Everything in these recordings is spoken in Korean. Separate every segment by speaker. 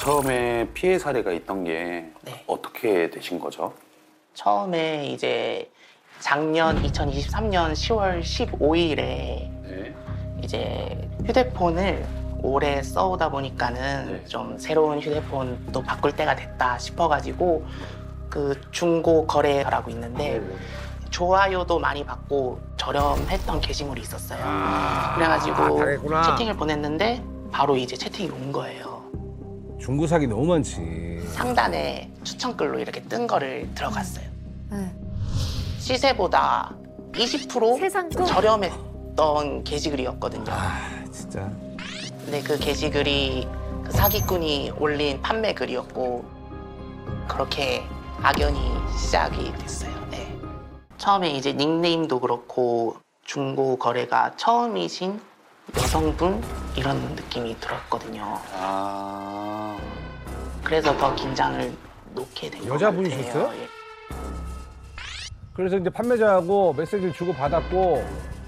Speaker 1: 처음에 피해 사례가 있던 게
Speaker 2: 네.
Speaker 1: 어떻게 되신 거죠?
Speaker 2: 처음에 이제 작년 2023년 10월 15일에
Speaker 1: 네.
Speaker 2: 이제 휴대폰을 오래 써오다 보니까는
Speaker 1: 네.
Speaker 2: 좀 새로운 휴대폰도 바꿀 때가 됐다 싶어가지고 그 중고 거래라고 있는데 좋아요도 많이 받고 저렴했던 게시물이 있었어요. 그래가지고
Speaker 3: 당했구나.
Speaker 2: 채팅을 보냈는데 바로 이제 채팅이 온 거예요.
Speaker 3: 중고 사기 너무 많지.
Speaker 2: 상단에 추천글로 이렇게 뜬 거를 들어갔어요.
Speaker 4: 네.
Speaker 2: 시세보다 20%
Speaker 4: 세상 또?
Speaker 2: 저렴했던 게시글이었거든요.
Speaker 3: 아 진짜.
Speaker 2: 근데 그 게시글이 그 사기꾼이 올린 판매 글이었고 그렇게 악연이 시작이 됐어요. 네. 처음에 이제 닉네임도 그렇고 중고 거래가 처음이신 여성분 이런 느낌이 들었거든요.
Speaker 1: 아.
Speaker 2: 그래서 더 긴장을 놓게 된 것 같아요.
Speaker 3: 여자분이셨어요?
Speaker 2: 예.
Speaker 3: 그래서 이제 판매자하고 메시지를 주고 받았고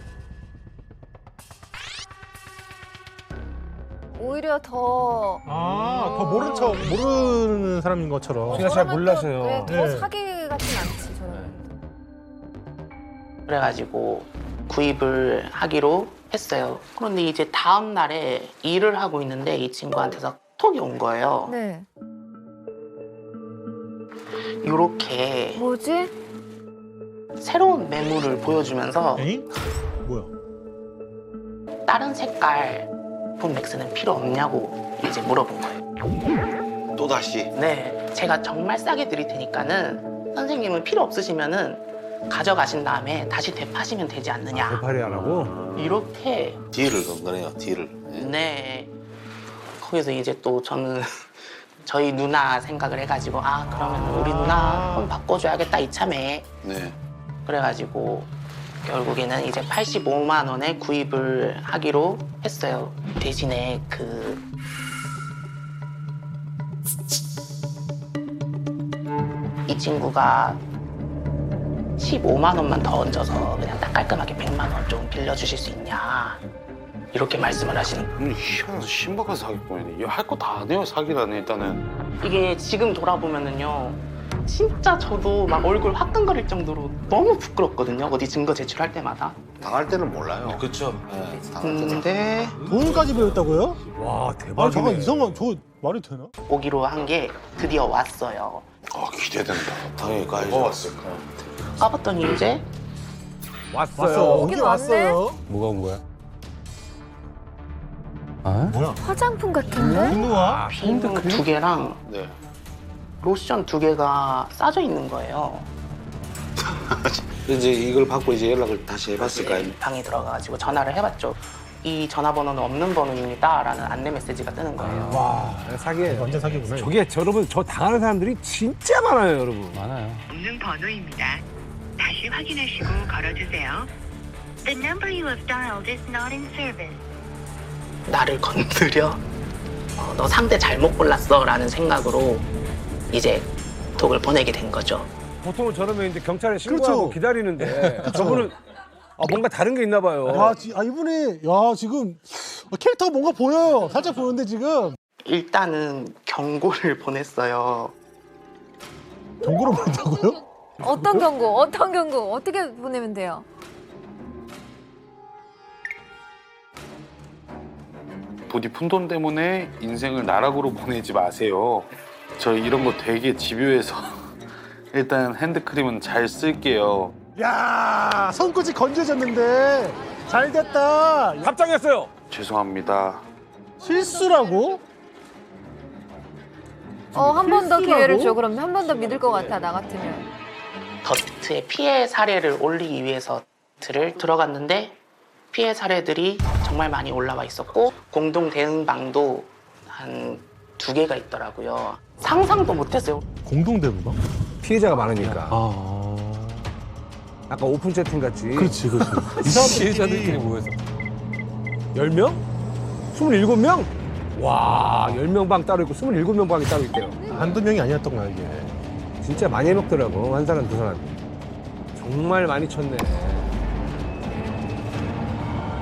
Speaker 4: 오히려 더
Speaker 5: 더 모르는 사람인 것처럼.
Speaker 3: 제가 잘
Speaker 4: 저러면
Speaker 3: 몰라서요.
Speaker 4: 또, 네, 더
Speaker 5: 네.
Speaker 4: 사기 같진 않지 저는.
Speaker 2: 그래가지고 구입을 하기로 했어요. 그런데 이제 다음 날에 일을 하고 있는데 이 친구한테서 톡이 온 거예요.
Speaker 4: 네.
Speaker 2: 이렇게
Speaker 4: 뭐지?
Speaker 2: 새로운 매물을 보여주면서
Speaker 5: 에잉? 뭐야?
Speaker 2: 다른 색깔 폰 맥스는 필요 없냐고 이제 물어본 거예요.
Speaker 6: 또 다시.
Speaker 2: 네, 제가 정말 싸게 드릴 테니까는 선생님은 필요 없으시면은 가져가신 다음에 다시 되파시면 되지 않느냐.
Speaker 3: 대파리 안 하고.
Speaker 2: 이렇게
Speaker 6: 딜을 건 거네요. 딜을.
Speaker 2: 네. 거기서 이제 또 저는 저희 누나 생각을 해가지고 아 그러면 우리 누나 폰 바꿔줘야겠다 이참에.
Speaker 6: 네.
Speaker 2: 그래가지고 결국에는 이제 85만 원에 구입을 하기로 했어요. 대신에 이 친구가 15만 원만 더 얹어서 그냥 딱 깔끔하게 100만 원 좀 빌려주실 수 있냐 이렇게 말씀을 하시는 거예요.
Speaker 1: 희한한 신박한 사기꾼이네. 할 거 다 안 해요, 사기라는 일단은.
Speaker 2: 이게 지금 돌아보면은요 진짜 저도 막 얼굴 화끈거릴 정도로 너무 부끄럽거든요. 어디 증거 제출할 때마다.
Speaker 6: 당할 때는 몰라요.
Speaker 1: 그렇죠.
Speaker 6: 네, 당할 때는.
Speaker 2: 근데
Speaker 5: 돈까지 배웠다고요?
Speaker 3: 와
Speaker 5: 아
Speaker 3: 대박이네.
Speaker 5: 잠깐 이상한 저 말이 되나?
Speaker 2: 오기로 한 게 드디어 왔어요.
Speaker 1: 아, 기대된다.
Speaker 6: 당연히 가야죠.
Speaker 1: 뭐가 왔을까?
Speaker 2: 까봤더니 이제
Speaker 3: 왔어요.
Speaker 5: 오긴 왔어요.
Speaker 3: 뭐가 온 거야? 아?
Speaker 5: 뭐야?
Speaker 4: 화장품 같은데?
Speaker 5: 분노와?
Speaker 2: 비누 2개랑
Speaker 6: 네.
Speaker 2: 로션 2개가 싸져 있는 거예요.
Speaker 6: 이제 이걸 받고 이제 연락을 다시 해봤을까요?
Speaker 2: 방에 들어가가지고 전화를 해봤죠. 이 전화번호는 없는 번호입니다. 라는 안내 메시지가 뜨는 거예요.
Speaker 5: 와
Speaker 3: 사기예요.
Speaker 5: 완전 사기구나. 이거.
Speaker 3: 저게 여러분 저 당하는 사람들이 진짜 많아요, 여러분. 많아요.
Speaker 7: 없는 번호입니다. 다시 확인하시고 걸어주세요. The number you have dialed is not in service.
Speaker 2: 나를 건드려? 너 상대 잘못 골랐어. 라는 생각으로 이제 톡을 보내게 된 거죠.
Speaker 3: 보통은 저러면 이제 경찰에 신고하고
Speaker 5: 그렇죠.
Speaker 3: 기다리는데 저분은 뭔가 다른 게 있나 봐요.
Speaker 5: 이분이 지금 캐릭터가 뭔가 보여요. 살짝 보는데 지금
Speaker 2: 일단은 경고를 보냈어요.
Speaker 5: 경고를 보냈다고요?
Speaker 4: 어떤 경고? 어떤 경고? 어떻게 보내면 돼요?
Speaker 1: 부디 푼돈 때문에 인생을 나락으로 보내지 마세요. 저 이런 거 되게 집요해서 일단 핸드크림은 잘 쓸게요.
Speaker 5: 야 손끝이 건져졌는데 잘 됐다.
Speaker 3: 답장했어요.
Speaker 1: 죄송합니다.
Speaker 5: 실수라고?
Speaker 4: 한 번 더 기회를
Speaker 5: 실수라고?
Speaker 4: 줘. 그럼 한 번 더 믿을 것 같아 나 같으면.
Speaker 2: 더트의 피해 사례를 올리기 위해서 들을 들어갔는데 피해 사례들이 정말 많이 올라와 있었고 공동 대응방도 한 2개가 있더라고요. 상상도 못했어요.
Speaker 5: 공동 대부가?
Speaker 3: 피해자가 많으니까.
Speaker 5: 아
Speaker 3: 아까 오픈 채팅 같이.
Speaker 5: 그렇지 그렇지. 이 사람들끼리
Speaker 3: 모여서 10명? 27명? 와, 10명 방 따로 있고 27명 방이 따로 있대요.
Speaker 5: 한두 명이 아니었던 거야 이게.
Speaker 3: 진짜 많이 해먹더라고, 한 사람, 두 사람. 정말 많이 쳤네.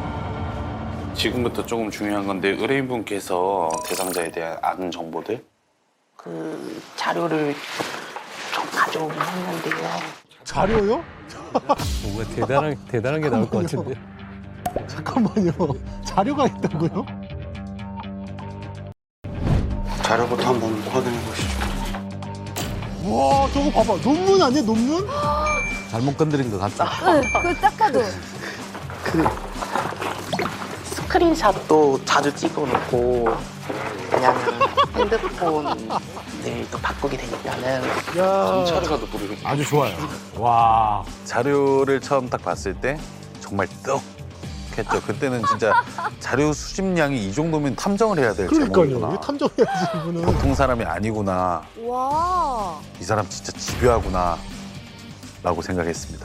Speaker 1: 지금부터 조금 중요한 건데 의뢰인분께서 대상자에 대한 아는 정보들
Speaker 2: 그 자료를 좀 가져오긴 했는데요.
Speaker 5: 자료요?
Speaker 3: 뭔가 대단한 게 나올 것 같은데.
Speaker 5: 잠깐만요. 자료가 있다고요?
Speaker 6: 자료부터 한번 확인해 보시죠.
Speaker 5: 와, 저거 봐봐. 논문 아니야, 논문?
Speaker 8: 잘못 건드린 것 같죠?
Speaker 4: 그 딱 봐도.
Speaker 2: 스크린샷도 자주 찍어놓고 왜냐면 핸드폰을 또 바꾸게 되니까는
Speaker 5: 야.
Speaker 1: 경찰에 가도 부르는
Speaker 3: 아주 좋아요. 와.
Speaker 8: 자료를 처음 딱 봤을 때 정말 떡했죠. 그때는 진짜 자료 수집량이 이 정도면 탐정을 해야 될
Speaker 5: 그러니까요.
Speaker 8: 제목이구나.
Speaker 5: 왜 탐정해야지, 이분은.
Speaker 8: 보통 사람이 아니구나.
Speaker 4: 와.
Speaker 8: 이 사람 진짜 집요하구나 라고 생각했습니다.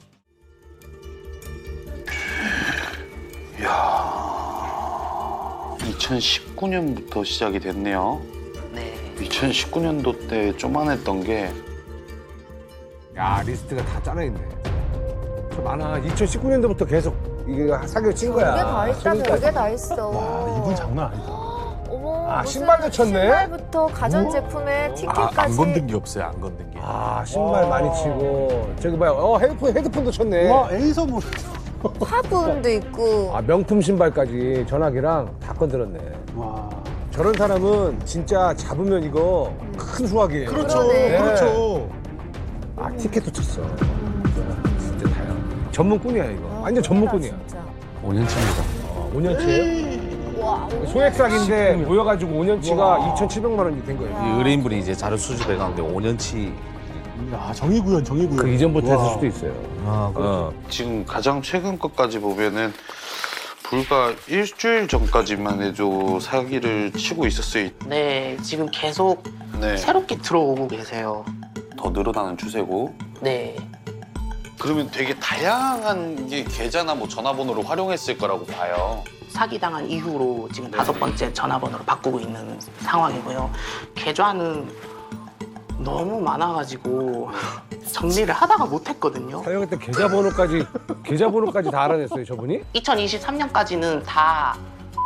Speaker 1: 이야, 2019년부터 시작이 됐네요.
Speaker 2: 네.
Speaker 1: 2019년도 때 쪼만했던 게
Speaker 3: 야, 리스트가 다 짜여있네. 저 많아. 2019년도부터 계속 이게 사기를 친 거야.
Speaker 4: 별게 다 있다, 별게 다 있어.
Speaker 5: 와, 이분 장난 아니다.
Speaker 4: 어머,
Speaker 3: 아,
Speaker 4: 무슨
Speaker 3: 신발도 쳤네?
Speaker 4: 신발부터 가전제품에 티켓까지.
Speaker 8: 안 건든 게 없어요. 안 건든 게.
Speaker 3: 아, 신발 많이 치고. 저기 봐요. 헤드폰도 쳤네.
Speaker 5: 와, 에이서물.
Speaker 4: 화분도 있고.
Speaker 3: 아, 명품 신발까지 전화기랑 다 건드렸네.
Speaker 5: 와.
Speaker 3: 저런 사람은 진짜 잡으면 이거 큰 수확이에요.
Speaker 5: 그렇죠.
Speaker 4: 그러네.
Speaker 5: 그렇죠.
Speaker 3: 아, 티켓도 쳤어. 진짜 다양. 전문꾼이야, 이거. 완전 전문꾼이야.
Speaker 4: 진짜.
Speaker 8: 5년치입니다.
Speaker 3: 5년치예요?
Speaker 4: 와,
Speaker 3: 소액삭인데 모여가지고 5년치가 2,700만 원이 된 거예요.
Speaker 8: 이 의뢰인분이 이제 자료 수집해 가는데 5년치.
Speaker 5: 야, 정의구현, 정의구현.
Speaker 3: 그 이전부터 했을
Speaker 5: 와.
Speaker 3: 수도 있어요.
Speaker 8: 아,
Speaker 1: 지금 가장 최근 것까지 보면은 불과 일주일 전까지만 해도 사기를 치고 있었어요.
Speaker 2: 네, 지금 계속
Speaker 1: 네,
Speaker 2: 새롭게 들어오고 계세요.
Speaker 1: 더 늘어나는 추세고.
Speaker 2: 네.
Speaker 1: 그러면 되게 다양한 게 계좌나 뭐 전화번호를 활용했을 거라고 봐요.
Speaker 2: 사기당한 이후로 지금 5번째 전화번호로 바꾸고 있는 상황이고요. 계좌는 너무 많아가지고 정리를 하다가 못했거든요.
Speaker 3: 사용했던 계좌번호까지 다 알아냈어요, 저분이?
Speaker 2: 2023년까지는 다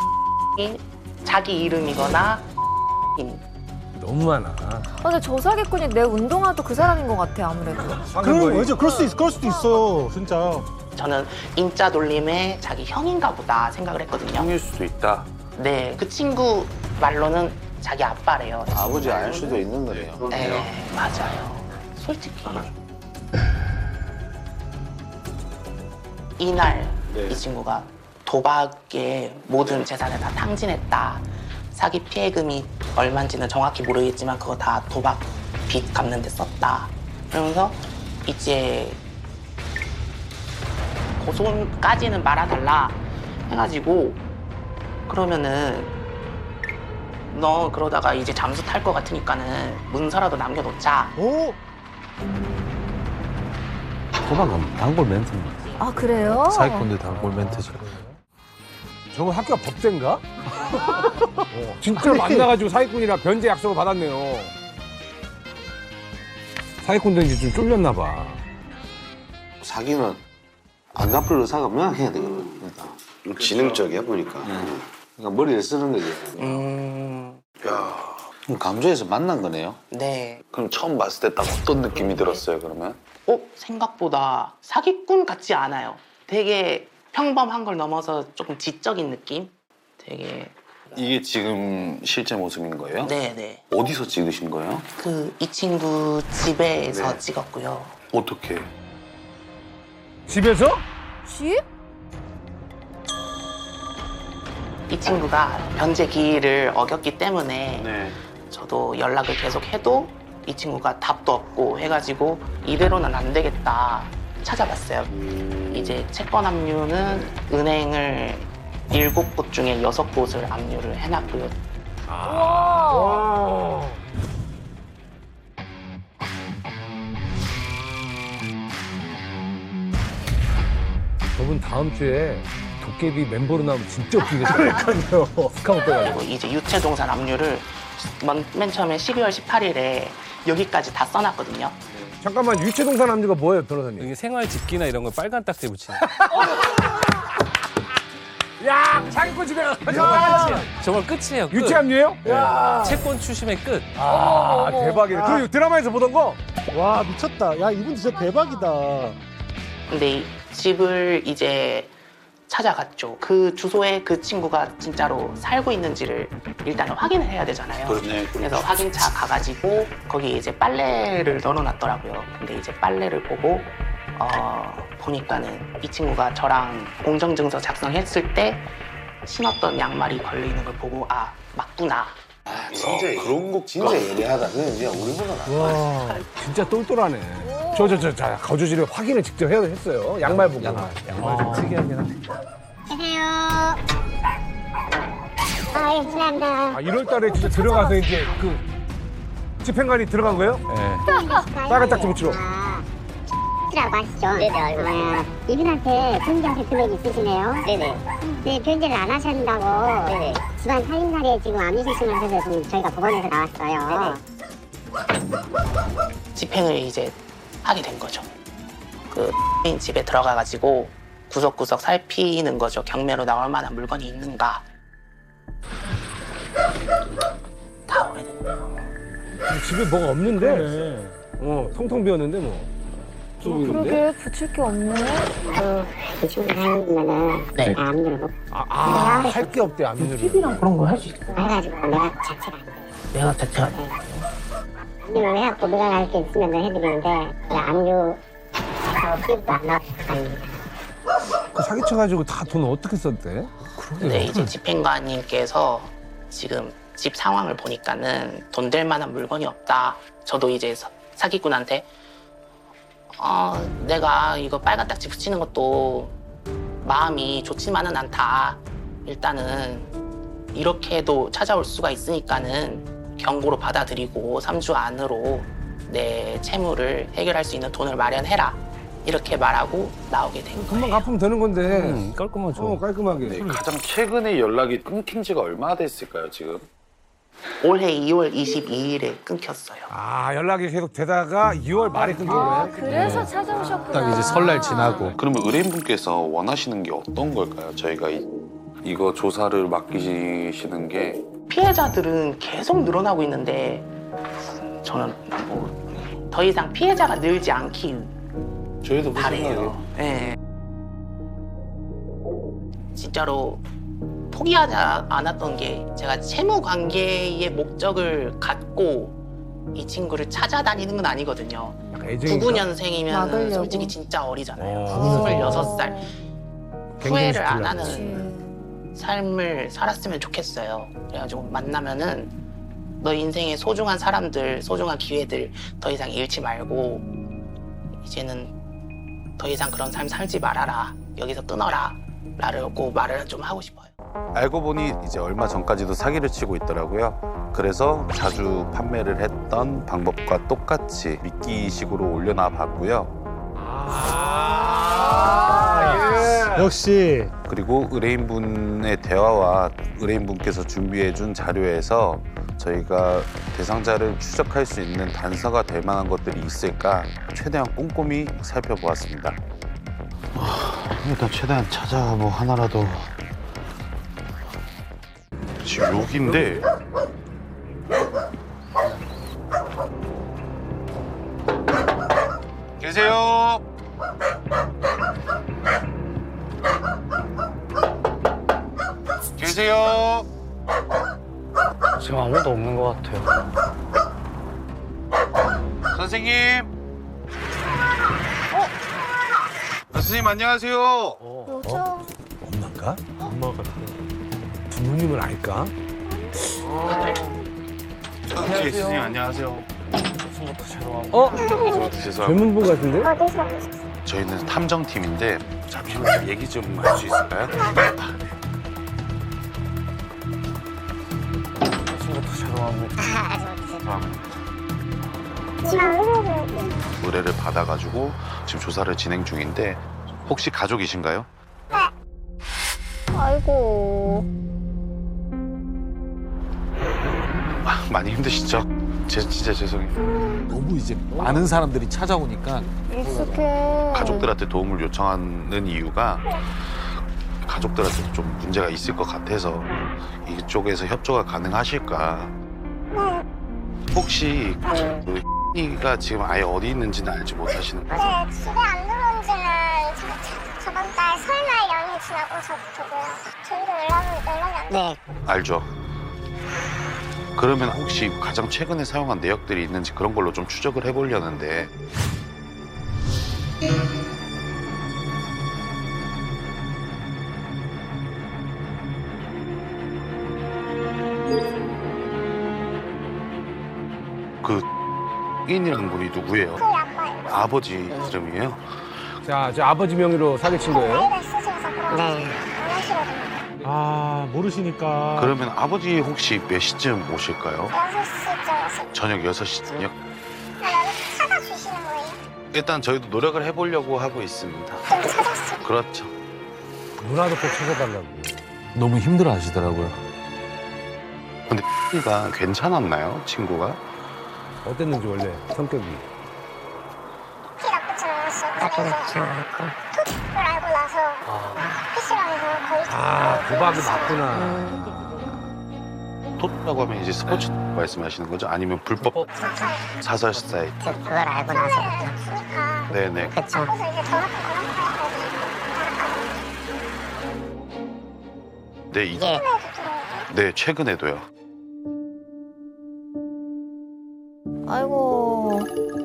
Speaker 2: 자기 이름이거나
Speaker 3: 너무 많아.
Speaker 4: 근데 저 사기꾼이 내 운동화도 그 사람인 것 같아, 아무래도.
Speaker 5: 그럼, 맞아. 그럴 수도 있어요, 진짜.
Speaker 2: 저는 인자 돌림의 자기 형인가 보다 생각을 했거든요.
Speaker 1: 형일 수도 있다.
Speaker 2: 네, 그 친구 말로는 자기 아빠래요.
Speaker 6: 아버지 알 수도 있는 거네요.
Speaker 2: 네, 맞아요. 솔직히 이날
Speaker 1: 네.
Speaker 2: 이 친구가 도박에 모든 재산을 다 탕진했다. 사기 피해금이 얼마인지는 정확히 모르겠지만 그거 다 도박 빚 갚는 데 썼다. 그러면서 이제 고소까지는 말아달라 해가지고 그러면은 너 그러다가 이제 잠수 탈 것 같으니까는 문서라도 남겨놓자.
Speaker 5: 오?
Speaker 8: 도박은 단골 멘트입니다.
Speaker 4: 아, 그래요?
Speaker 8: 사기꾼들 단골 멘트죠.
Speaker 3: 저거 학교가 법대인가? 진짜 만나가지고 사기꾼이랑 변제 약속을 받았네요. 사기꾼들이 좀 쫄렸나 봐.
Speaker 6: 사기는 안 갚을 의사가 명확해야 되거든. 그러니까. 지능적이야 보니까. 그러니까 머리를 쓰는 거지. 그럼 감정에서 만난 거네요.
Speaker 2: 네.
Speaker 1: 그럼 처음 봤을 때 딱 어떤 느낌이 들었어요, 그러면?
Speaker 2: 생각보다 사기꾼 같지 않아요. 되게 평범한 걸 넘어서 조금 지적인 느낌? 되게
Speaker 1: 이게 지금 실제 모습인 거예요?
Speaker 2: 네네.
Speaker 1: 어디서 찍으신 거예요?
Speaker 2: 이 친구 집에서
Speaker 1: 네.
Speaker 2: 찍었고요.
Speaker 1: 어떻게?
Speaker 3: 집에서?
Speaker 4: 집?
Speaker 2: 이 친구가 변제 기일을 어겼기 때문에
Speaker 1: 네.
Speaker 2: 저도 연락을 계속 해도 이 친구가 답도 없고 해가지고 이대로는 안 되겠다 찾아봤어요. 이제 채권 압류는 은행을 7곳 중에 6곳을 압류를 해놨고요.
Speaker 4: 와.
Speaker 3: 저분 다음 주에 도깨비 멤버로 나오면 진짜 웃기겠어요. 그러니까요. 스카우트 빼가지고.
Speaker 2: 그리고 이제 유체동산 압류를 맨 처음에 12월 18일에 여기까지 다 써놨거든요.
Speaker 3: 잠깐만, 유체동산 압류가 뭐예요, 변호사님?
Speaker 9: 이게 생활 집기나 이런 걸 빨간 딱지 붙이는.
Speaker 3: 야, 사기꾼 집에 가서
Speaker 9: 정말 끝이에요. 끝.
Speaker 3: 유치함이에요? 야.
Speaker 9: 채권 추심의 끝.
Speaker 3: 아, 대박이네. 그 드라마에서 보던 거?
Speaker 5: 와 미쳤다. 야 이분 진짜 대박이다.
Speaker 2: 근데 이 집을 이제 찾아갔죠. 그 주소에 그 친구가 진짜로 살고 있는지를 일단은 확인을 해야 되잖아요.
Speaker 1: 그렇네.
Speaker 2: 그래서 확인차 가가지고 거기에 이제 빨래를 널어놨더라고요. 근데 이제 빨래를 보고 보니까는 이 친구가 저랑 공정증서 작성했을 때 신었던 양말이 걸려있는 걸 보고 아 맞구나.
Speaker 6: 진짜 그런 거 진짜 예리하다. 그냥 우리보다 나.
Speaker 3: 와, 진짜 똘똘하네. 자, 거주지를 확인을 직접 했어요. 양말 보고.
Speaker 9: 양말 좀 특이하긴 한데.
Speaker 7: 안녕하세요. 예, 감사합니다.
Speaker 3: 아, 1월 달에 진짜 들어가서 이제 그 집행관이 들어간 거예요?
Speaker 9: 네.
Speaker 3: 빨간 딱지 붙이러.
Speaker 7: 라고 하시죠? 네네, 알고 있습니다. 이분한테 변제하실 금액이 있으시네요? 네네. 네, 변제를 안 하신다고 네네. 집안 살림살이에 지금 안 주시면서 지금 저희가 법원에서 나왔어요.
Speaker 2: 집행을 이제 하게 된 거죠. 그 집에 들어가가지고 구석구석 살피는 거죠. 경매로 나올 만한 물건이 있는가. 다 오래됐네요.
Speaker 3: 집에 뭐가 없는데? 텅텅 비었는데 뭐.
Speaker 4: 그러게 붙일 게 없네.
Speaker 7: 그 친구가 살면은
Speaker 2: 네.
Speaker 7: 안 물어보고
Speaker 3: 할 게 없대, 안 믿으면.
Speaker 2: TV랑 그런 거 할 수 있어.
Speaker 7: 해가지고 내가 자체가 안 돼.
Speaker 2: 내가 자체가 안 돼.
Speaker 7: 압류를 해갖고 누가 할 게 있으면 해드리는데 압류 피부도 안 나왔을 아닙니다.
Speaker 3: 그 사기쳐가지고 다 돈 어떻게 썼대?
Speaker 2: 근데 이제 집행관님께서 지금 집 상황을 보니까는 돈 될 만한 물건이 없다. 저도 이제 사기꾼한테 내가 이거 빨간 딱지 붙이는 것도 마음이 좋지만은 않다. 일단은 이렇게도 찾아올 수가 있으니까는 경고로 받아들이고 3주 안으로 내 채무를 해결할 수 있는 돈을 마련해라. 이렇게 말하고 나오게 된
Speaker 3: 금방
Speaker 2: 거예요.
Speaker 3: 갚으면 되는 건데.
Speaker 9: 깔끔하죠.
Speaker 3: 깔끔하게.
Speaker 1: 네, 가장 최근에 연락이 끊긴 지가 얼마나 됐을까요, 지금?
Speaker 2: 올해 2월 22일에 끊겼어요.
Speaker 3: 아, 연락이 계속 되다가 2월 말에 끊긴
Speaker 4: 아,
Speaker 3: 거예요?
Speaker 4: 그래서 찾아오셨구나.
Speaker 8: 딱 이제 설날 지나고.
Speaker 1: 그러면 의뢰인분께서 원하시는 게 어떤 걸까요? 저희가 이거 조사를 맡기시는 게
Speaker 2: 피해자들은 계속 늘어나고 있는데 저는 뭐 더 이상 피해자가 늘지 않기
Speaker 1: 저희도 그
Speaker 2: 바래요.
Speaker 1: 생각이에요.
Speaker 2: 네. 진짜로 포기하지 않았던 게 제가 채무 관계의 목적을 갖고 이 친구를 찾아다니는 건 아니거든요.
Speaker 3: 애정인가?
Speaker 2: 99년생이면
Speaker 4: 막으려고.
Speaker 2: 솔직히 진짜 어리잖아요.
Speaker 3: 어.
Speaker 2: 26살. 후회를 안 하는
Speaker 4: 그치.
Speaker 2: 삶을 살았으면 좋겠어요. 그래가지고 만나면은 너 인생의 소중한 사람들, 소중한 기회들 더 이상 잃지 말고 이제는 더 이상 그런 삶 살지 말아라. 여기서 끊어라. 라고 말을 좀 하고 싶어요.
Speaker 8: 알고 보니 이제 얼마 전까지도 사기를 치고 있더라고요. 그래서 자주 판매를 했던 방법과 똑같이 미끼식으로 올려놔 봤고요.
Speaker 5: 역시
Speaker 8: 그리고 의뢰인분의 대화와 의뢰인분께서 준비해준 자료에서 저희가 대상자를 추적할 수 있는 단서가 될 만한 것들이 있을까 최대한 꼼꼼히 살펴보았습니다.
Speaker 6: 일단 최대한 찾아 뭐 하나라도.
Speaker 1: 지금 여기인데 계세요? 계세요?
Speaker 9: 지금 아무도 없는 것 같아요.
Speaker 1: 선생님? 선생님 안녕하세요.
Speaker 3: 엄마인가? 엄마가. 부모님은 알까?
Speaker 1: 네, 선생님 안녕하세요. 죄송합니다.
Speaker 3: 젊은 분 같은데?
Speaker 1: 저희는 탐정팀인데 잠시만 얘기 좀 할 수 있을까요? 의뢰를 받아가지고 지금 조사를 진행 중인데 혹시 가족이신가요?
Speaker 4: 아이고.
Speaker 1: 많이 힘드시죠? 진짜 죄송해요.
Speaker 8: 너무 이제 많은 사람들이 찾아오니까
Speaker 4: 익숙해.
Speaker 1: 가족들한테 도움을 요청하는 이유가
Speaker 8: 가족들한테도 좀 문제가 있을 것 같아서 이쪽에서 협조가 가능하실까? 혹시 그 가 지금 아예 어디 있는지는 알지 못하시는 거예요?
Speaker 7: 네, 집에 안 들어온 지는 저번 달 설날 연휴 지나고서부터고요. 저희도 연락이 안 돼요.
Speaker 8: 알죠. 그러면 혹시 가장 최근에 사용한 내역들이 있는지 그런 걸로 좀 추적을 해보려는데. 그 인이라는 분이 누구예요?
Speaker 7: 그 아빠예요.
Speaker 8: 아버지 이름이에요?
Speaker 3: 자, 저 아버지 명의로 사기친 거예요?
Speaker 7: 나이가 있으셔서 그런지 안 하시거든요.
Speaker 5: 아, 모르시니까.
Speaker 8: 그러면 아버지 혹시 몇 시쯤 오실까요?
Speaker 7: 6시쯤 오실
Speaker 8: 저녁 6시쯤요?
Speaker 7: 때 찾아주시는 거예요?
Speaker 8: 일단 저희도 노력을 해보려고 하고 있습니다.
Speaker 7: 좀 찾았어요.
Speaker 8: 그렇죠.
Speaker 3: 누나도 꼭 찾아달라고.
Speaker 10: 너무 힘들어 하시더라고요.
Speaker 8: 근데 가 괜찮았나요, 친구가?
Speaker 3: 어땠는지 원래 성격이.
Speaker 7: 키 나쁘진 않았어요. 나쁘지 않았고. 톡을 알고 나서 PC방에서 거의
Speaker 3: 도박이 맞구나.
Speaker 8: 톱이라고 하면 이제 스포츠 말씀하시는 거죠? 아니면 불법 사설 사이트?
Speaker 7: 그걸 알고 나서부터. 쓰니까.
Speaker 8: 네네.
Speaker 7: 그래서 이제 전화통 그런 거까지
Speaker 8: 네, 네, 최근에도요.
Speaker 4: 아이고.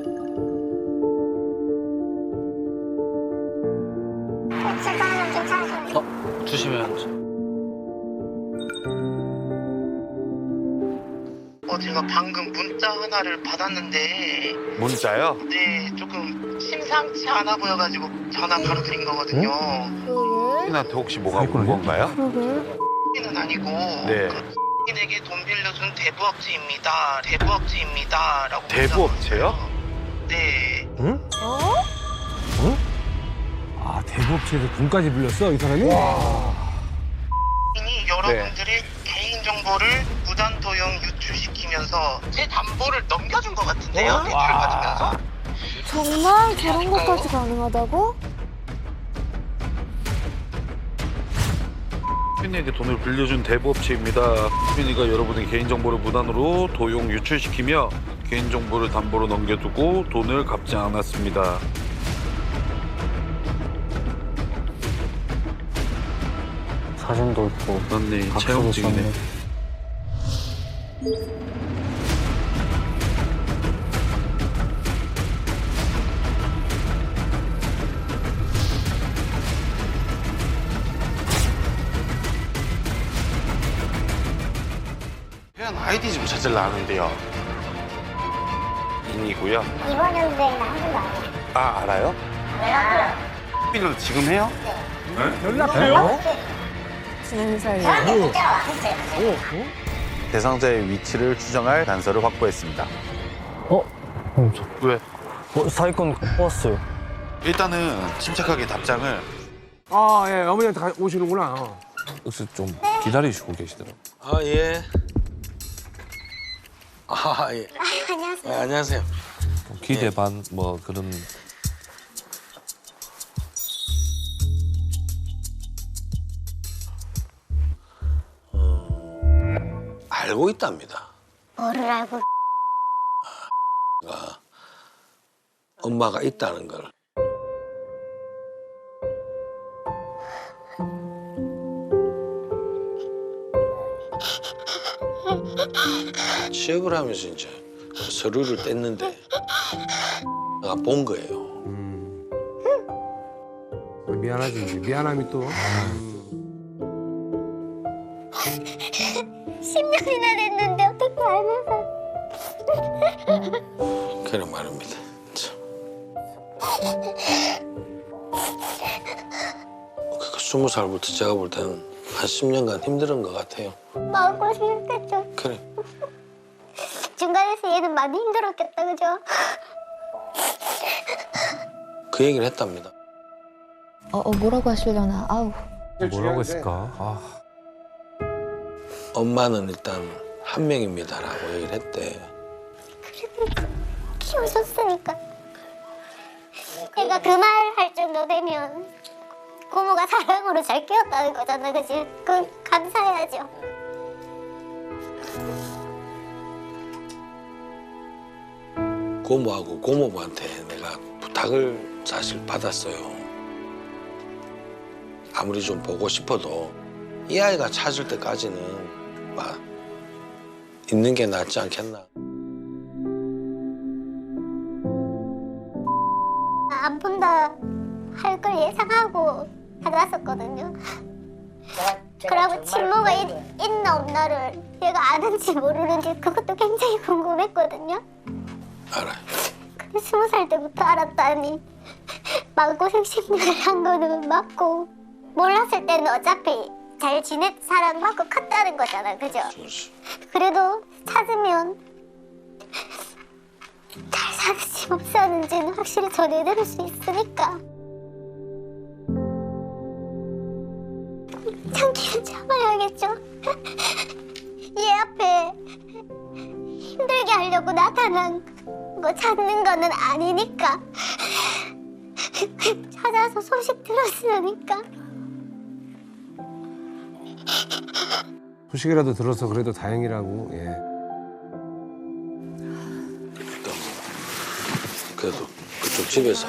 Speaker 7: 제가 괜찮으세요?
Speaker 9: 주시면 안
Speaker 2: 제가 방금 문자 하나를 받았는데
Speaker 8: 문자요?
Speaker 2: 네, 조금 심상치 않아 보여가지고 전화 바로 드린 거거든요.
Speaker 8: 신한테 혹시 뭐가 온 건가요?
Speaker 2: 는 아니고
Speaker 8: 네.
Speaker 2: 에게 돈 빌려준 대부업체입니다. 대부업체입니다라고.
Speaker 8: 대부업체요?
Speaker 2: 네.
Speaker 3: 응? 아, 대부업체에서 돈까지 빌렸어, 이 사람이?
Speaker 2: 이미 여러분들의 개인 정보를 무단 도용 유출시키면서 제 담보를 넘겨준 것 같은데요. 대출 받으면서.
Speaker 4: 정말 저런 것까지 가능하다고?
Speaker 1: 휘인에게 돈을 빌려준 대부업체입니다. 휘인이가 여러분의 개인정보를 무단으로 도용 유출시키며 개인정보를 담보로 넘겨두고 돈을 갚지 않았습니다.
Speaker 9: 사진도 있고.
Speaker 1: 맞네,
Speaker 9: 각서도
Speaker 1: 체험증이네.
Speaker 9: 썼네.
Speaker 8: 회원 아이디 좀 찾으려 하는데요. 인이고요.
Speaker 7: 이번 연도에는 한 번도 안 해요.
Speaker 8: 아, 알아요? 휘인을 지금 해요?
Speaker 3: 연락해요?
Speaker 4: 지난 사이에.
Speaker 8: 대상자의 위치를 추정할 단서를 확보했습니다. 왜?
Speaker 9: 사기꾼 뽑았어요.
Speaker 8: 일단은 침착하게 답장을.
Speaker 3: 아, 예, 어머니한테 오시는구나.
Speaker 10: 혹시 좀 기다리시고 계시더라고요.
Speaker 6: 아, 예. 아, 예.
Speaker 7: 안녕하세요.
Speaker 6: 네, 안녕하세요.
Speaker 10: 기대 반 뭐 그런.
Speaker 6: 알고 있답니다.
Speaker 7: 뭐를 알고
Speaker 6: 엄마가 있다는 걸. 취업을 하면서 이제 서류를 뗐는데 내가 본 거예요.
Speaker 3: 미안하지, 이제. 미안함이 또.
Speaker 7: 10년이나 됐는데 어떻게 알면서
Speaker 6: 그런 말입니다. 참. 그러니까 20살부터 제가 볼 때는 한 10년간 힘든 것 같아요.
Speaker 7: 마음고생했겠죠.
Speaker 6: 그래.
Speaker 7: 중간에서 얘는 많이 힘들었겠다, 그죠?
Speaker 6: 그 얘기를 했답니다.
Speaker 4: 뭐라고 하시려나. 아우.
Speaker 10: 뭐라고 했을까? 아,
Speaker 6: 엄마는 일단 한 명입니다라고 얘기를 했대.
Speaker 7: 키우셨으니까. 내가 그 말 할 정도 되면 고모가 사랑으로 잘 키웠다는 거잖아, 그치? 그건 감사해야죠.
Speaker 11: 고모하고 고모부한테 내가 부탁을 사실 받았어요. 아무리 좀 보고 싶어도 이 아이가 찾을 때까지는 막 있는 게 낫지 않겠나.
Speaker 7: 안 본다 할 걸 예상하고 받았었거든요. 그러고 친모가 있나 없나를 얘가 아는지 모르는지 그것도 굉장히 궁금했거든요.
Speaker 11: 알아요.
Speaker 7: 근데 20살 때부터 알았다니 마음고생 심리를 한 거는 맞고 몰랐을 때는 어차피 잘 사랑받고 컸다는 거잖아, 그죠? 그래도 찾으면 잘 사는지 못 사는지는 확실히 전해드릴 수 있으니까 참기는 참아야겠죠. 얘 앞에 힘들게 하려고 나타난 거 찾는 거는 아니니까 찾아서 소식 들었으니까
Speaker 3: 소식이라도 들어서 그래도 다행이라고. 예.
Speaker 11: 그래도 그쪽 집에서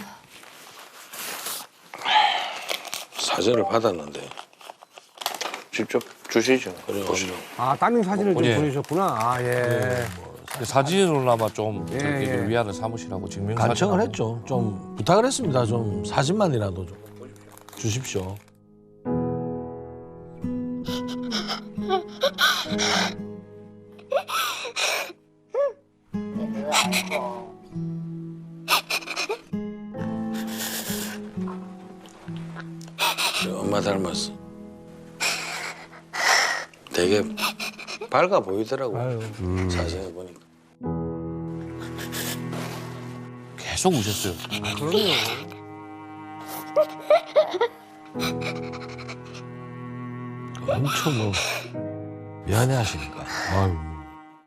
Speaker 11: 사진을 받았는데
Speaker 6: 직접 주시죠.
Speaker 11: 그래
Speaker 3: 아 따님 사진을 좀
Speaker 10: 예.
Speaker 3: 보내셨구나. 아 예.
Speaker 10: 근데 사진으로나마 좀
Speaker 3: 예,
Speaker 10: 저희들
Speaker 3: 예.
Speaker 10: 위안을 삼으시라고 증명사진.
Speaker 11: 간청을 했죠. 좀 부탁을 했습니다. 좀 사진만이라도 좀 주십시오. 엄마 닮았어. 되게 밝아 보이더라고. 사진을 보니까.
Speaker 10: 계속 우셨어요.
Speaker 11: 엄청 뭐 미안해 하시니까. 아유.